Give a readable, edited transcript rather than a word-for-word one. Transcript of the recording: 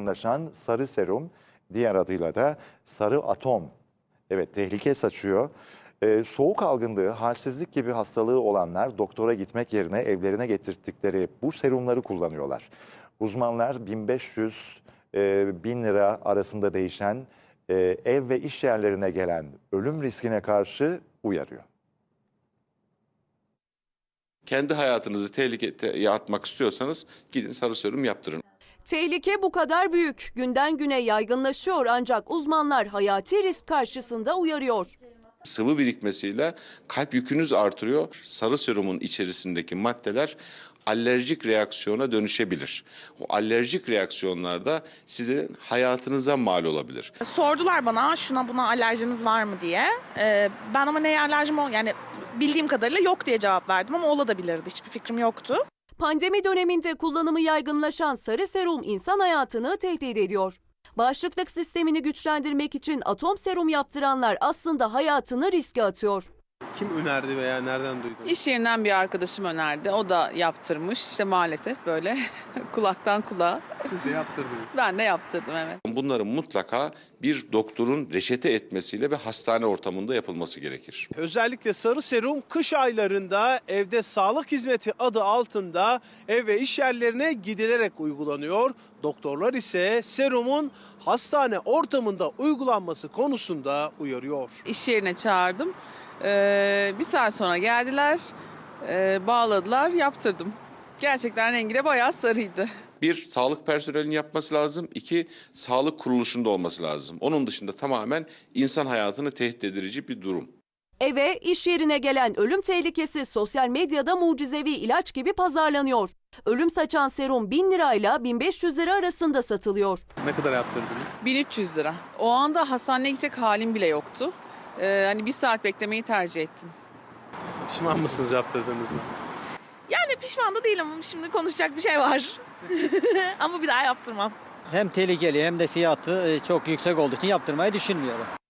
yaygınlaşan sarı serum, diğer adıyla da sarı atom. Evet, tehlike saçıyor. Soğuk algınlığı, halsizlik gibi hastalığı olanlar doktora gitmek yerine evlerine getirttikleri bu serumları kullanıyorlar. Uzmanlar 1500-1000 lira arasında değişen ev ve iş yerlerine gelen ölüm riskine karşı uyarıyor. Kendi hayatınızı tehlikeye atmak istiyorsanız gidin sarı serum yaptırın. Tehlike bu kadar büyük. Günden güne yaygınlaşıyor ancak uzmanlar hayati risk karşısında uyarıyor. Sıvı birikmesiyle kalp yükünüz artırıyor. Sarı serumun içerisindeki maddeler alerjik reaksiyona dönüşebilir. O alerjik reaksiyonlarda sizin hayatınıza mal olabilir. Sordular bana şuna buna alerjiniz var mı diye. Ben ama neye alerjim yani bildiğim kadarıyla yok diye cevap verdim ama olabilirdi. Hiçbir fikrim yoktu. Pandemi döneminde kullanımı yaygınlaşan sarı serum insan hayatını tehdit ediyor. Bağışıklık sistemini güçlendirmek için atom serum yaptıranlar aslında hayatını riske atıyor. Kim önerdi veya nereden duydun? İş yerinden bir arkadaşım önerdi. O da yaptırmış. İşte maalesef böyle kulaktan kulağa. Siz de yaptırdınız. Ben de yaptırdım, evet. Bunların mutlaka bir doktorun reçete etmesiyle ve hastane ortamında yapılması gerekir. Özellikle sarı serum kış aylarında evde sağlık hizmeti adı altında ev ve iş yerlerine gidilerek uygulanıyor. Doktorlar ise serumun hastane ortamında uygulanması konusunda uyarıyor. İş yerine çağırdım. Bir saat sonra geldiler, bağladılar, yaptırdım. Gerçekten rengi de bayağı sarıydı. Bir, sağlık personelinin yapması lazım. İki, sağlık kuruluşunda olması lazım. Onun dışında tamamen insan hayatını tehdit edici bir durum. Eve, iş yerine gelen ölüm tehlikesi sosyal medyada mucizevi ilaç gibi pazarlanıyor. Ölüm saçan serum 1000 lirayla 1500 lira arasında satılıyor. Ne kadar yaptırdınız? 1300 lira. O anda hastaneye gidecek halim bile yoktu. Hani bir saat beklemeyi tercih ettim. Pişman mısınız yaptırdığınızı? Yani pişman da değilim. Şimdi konuşacak bir şey var. Ama bir daha yaptırmam. Hem tehlikeli hem de fiyatı çok yüksek olduğu için yaptırmayı düşünmüyorum.